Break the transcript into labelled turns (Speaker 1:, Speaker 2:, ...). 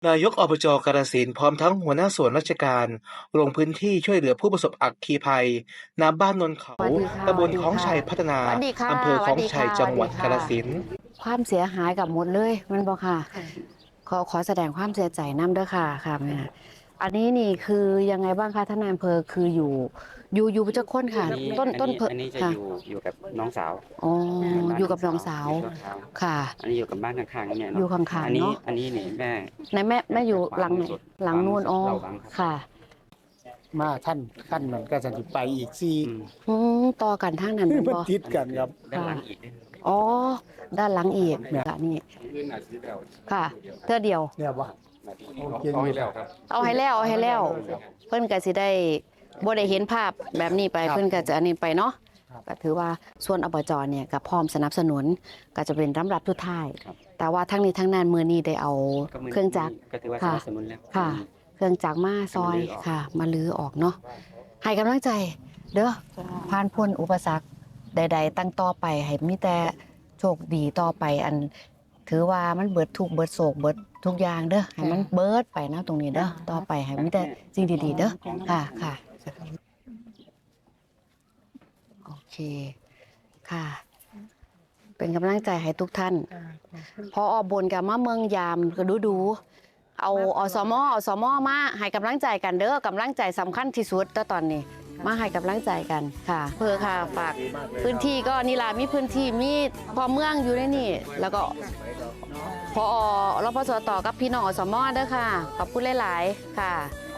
Speaker 1: นายกอบจกาฬสินธุ์พร้อมทั้งหัวหน้าส่วนราชการลงพื้นที่ช่วยเหลือผู้ประสบอัคคีภัยน้ำบ้านนนเขา
Speaker 2: สวัสดีค่ะ
Speaker 1: ตำบลคลองชัยพัฒนา
Speaker 2: สวัสดีค่ะ
Speaker 1: อำเภอคลองชัยจังหวัดกาฬสินธุ์
Speaker 2: ความเสียหายกับหมดเลยมันบอกค่ะขอแสดงความเสียใจน้ำด้วยค่ะค่ะแม่อันนี้นี่คือยังไงบ้างคะท่านนายอำเภอคืออยู่เจ้าคนค่ะต้นเพอ
Speaker 3: อันนี้จะ
Speaker 2: ค่ะ
Speaker 3: อยู่กับน้องสาว
Speaker 2: อ๋อ
Speaker 3: บ้าน
Speaker 2: อยู่กับน้องสาว
Speaker 3: อยู่ชั่วคราว
Speaker 2: ค่ะ
Speaker 3: อันนี้อยู่กับบ้านข้างๆเนี่ย
Speaker 2: อยู่
Speaker 3: เนาะ
Speaker 2: ข้าง
Speaker 3: อัน
Speaker 2: ๆ
Speaker 3: นี้
Speaker 2: เนาะ
Speaker 3: อันนี้นี่แม่
Speaker 2: ไหนแม่อยู่หลังไหนหลังนู่นอ๋อ
Speaker 3: เราบังครับ
Speaker 2: ค่ะ
Speaker 4: มาท่านขั้นมันก็จะไปอีกสี่
Speaker 3: อืม
Speaker 2: ต่อกันทางนั้นเป็น
Speaker 4: มัน
Speaker 2: บ่
Speaker 4: ติดกันครับ
Speaker 3: ด้านหลังอีกด้วย
Speaker 2: อ๋อด้านหลังอีกค่ะนี่ค่ะเท่าเดียว
Speaker 4: เนี่ยบ่
Speaker 5: เอาให้แล้วครับ
Speaker 2: เอาให้แล้ว เพิ่นก็สิได้บ่ได้เห็นภาพแบบนี้ไปเพิ่นก็จะอันนี้ไปเนาะก็ถือว่าส่วนอบจเนี่ยก็พร้อมสนับสนุนก็จะเป็นลำดับสุดท้ายแต่ว่าทั้งนี้ทั้งนั้นมื้อนี้ได้เอา
Speaker 3: ก็มื
Speaker 2: เครื่องจักร
Speaker 3: ก็ถือว่าส
Speaker 2: ค่ะ
Speaker 3: นับสนุนแล้ว
Speaker 2: ค่ะ เครื่องจักรมาซอยค่ะ มาลื้อออกเนาะให้กำลังใจเด้อผ่านพ้นอุปสรรคใดๆตั้งต่อไปให้มีแต่โชคดีต่อไปอัน ถือว่ามันเบิดทุกข์เบิดโศกเบิดทุกอย่างเด้อให้มันเบิดไปนะตรงนี้เด้อต่อไปให้มีแต่สิ่งดีๆเด้อค่ะโอเคค่ะ เป็นกำลังใจให้ทุกท่านพออบนกับมาเมืองยามก็ดูเอาอสมมาให้กำลังใจกันเด้อกำลังใจสำคัญที่สุดตอนนี้มาให้กำลังใจกันค่ะเพื่อค่ะฝากพื้นที่ก็นี่ล่ะมีพื้นที่มีพอเมืองอยู่ในนี่แล้วก็พอรพสตกับพี่น้องอสมเด้อค่ะขอบคุณหลายๆค่ะ